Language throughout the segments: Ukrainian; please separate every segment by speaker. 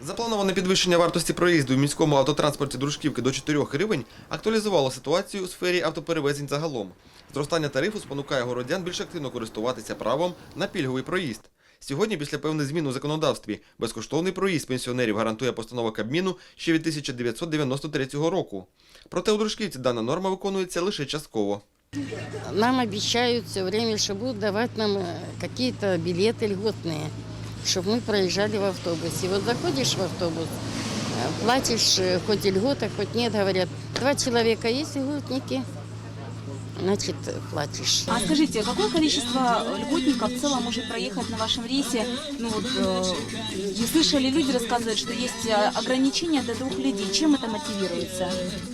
Speaker 1: Заплановане підвищення вартості проїзду в міському автотранспорті Дружківки до 4 гривень актуалізувало ситуацію у сфері автоперевезень загалом. Зростання тарифу спонукає городян більш активно користуватися правом на пільговий проїзд. Сьогодні, після певних змін у законодавстві, безкоштовний проїзд пенсіонерів гарантує постанова Кабміну ще від 1993 року. Проте у Дружківці дана норма виконується лише частково.
Speaker 2: Нам обещают все время, что будут давать нам какие-то билеты льготные, чтобы мы проезжали в автобусе. Вот заходишь в автобус, платишь хоть и льгота, хоть нет, говорят, 2 человека есть льготники, значит, платишь.
Speaker 3: А скажите, какое количество льготников в целом может проехать на вашем рейсе? Ну вот, вы слышали, люди рассказывают, что есть ограничения до 2 людей. Чем это мотивируется?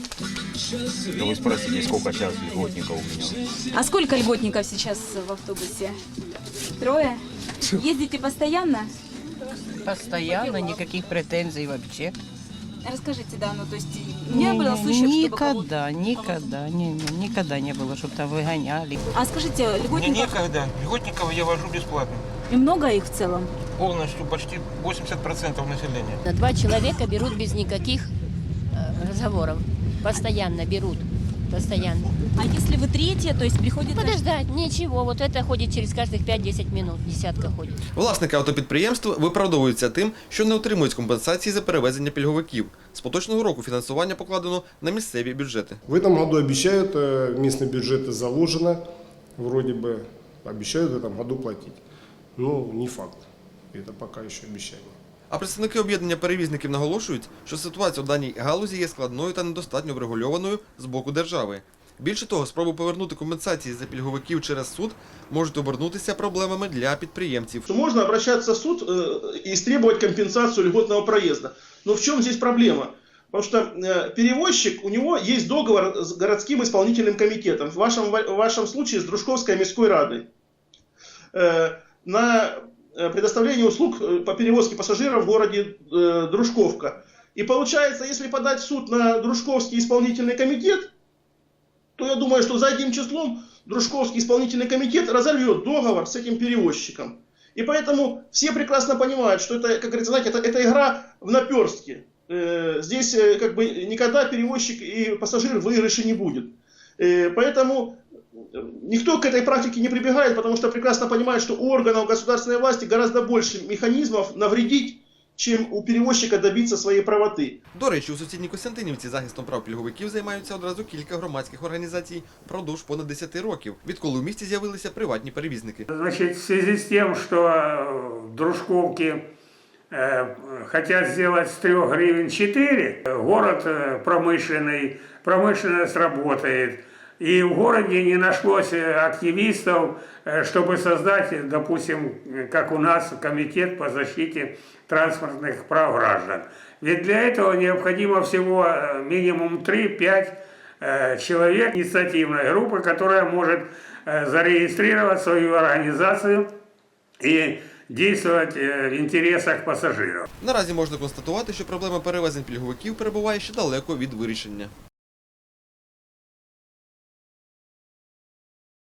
Speaker 4: Да вы спросите, сколько сейчас льготников у меня?
Speaker 3: А сколько льготников сейчас в автобусе? 3? Ездите постоянно?
Speaker 5: Постоянно, никаких претензий вообще.
Speaker 3: Расскажите, да, ну то есть не было случаев, чтобы кого-то...
Speaker 5: Никогда не было, чтобы там выгоняли.
Speaker 3: А скажите,
Speaker 6: Мне
Speaker 3: льготников...
Speaker 6: некогда. Льготников я вожу бесплатно.
Speaker 3: И много их в целом?
Speaker 6: Полностью, почти 80% населения.
Speaker 7: 2 человека берут без никаких разговоров. Постоянно берут. Постоянно.
Speaker 3: А если вы 3, то есть приходится...
Speaker 7: Подождать, ничего. Вот это ходит через каждых 5-10 минут. Десятка ходит.
Speaker 1: Власники автопідприємств виправдовуються тим, що не отримують компенсації за перевезення пільговиків. З поточного року фінансування покладено на місцеві бюджети.
Speaker 8: В этом году обещают, местные бюджеты заложено, вроде бы обещают в этом году платить. Но не факт. Это пока еще обещание.
Speaker 1: А представники об'єднання перевізників наголошують, що ситуація у даній галузі є складною та недостатньо врегульованою з боку держави. Більше того, спроби повернути компенсації за пільговиків через суд можуть обернутися проблемами для підприємців.
Speaker 9: Можно обращаться в суд и истребовать компенсацию льготного проезда. Но в чем здесь проблема? Потому что перевозчик, у него есть договор с городским исполнительным комитетом, в вашем случае с Дружковской міською радой, на предоставление услуг по перевозке пассажиров в городе Дружковка. И получается, если подать в суд на Дружковский исполнительный комитет, то я думаю, что задним числом Дружковский исполнительный комитет разорвет договор с этим перевозчиком. И поэтому все прекрасно понимают, что это, как говорится, знаете, это игра в наперстке. Здесь как бы никогда перевозчик и пассажир в выигрыше не будет. Поэтому никто к этой практике не прибегает, потому что прекрасно понимает, что у органов государственной власти гораздо больше механизмов навредить, чим у перевозчика добитися своєї правоти.
Speaker 1: До речі, у сусідній Костянтинівці захистом прав пільговиків займаються одразу кілька громадських організацій впродовж понад 10 років, відколи у місті з'явилися приватні перевізники.
Speaker 10: Значит, в связи с тем, что Дружковки хотят сделать с 3 гривен 4, город промышленный, промышленность работает. И в городе не нашлось активистов, чтобы создать, допустим, как у нас, комитет по защите транспортных прав граждан. Ведь для этого необходимо всего минимум 3-5 человек инициативной группы, которая может зарегистрировать свою организацию и действовать в інтересах пасажирів.
Speaker 1: Наразі можна констатувати, що проблема перевезень пільговиків перебуває ще далеко від вирішення.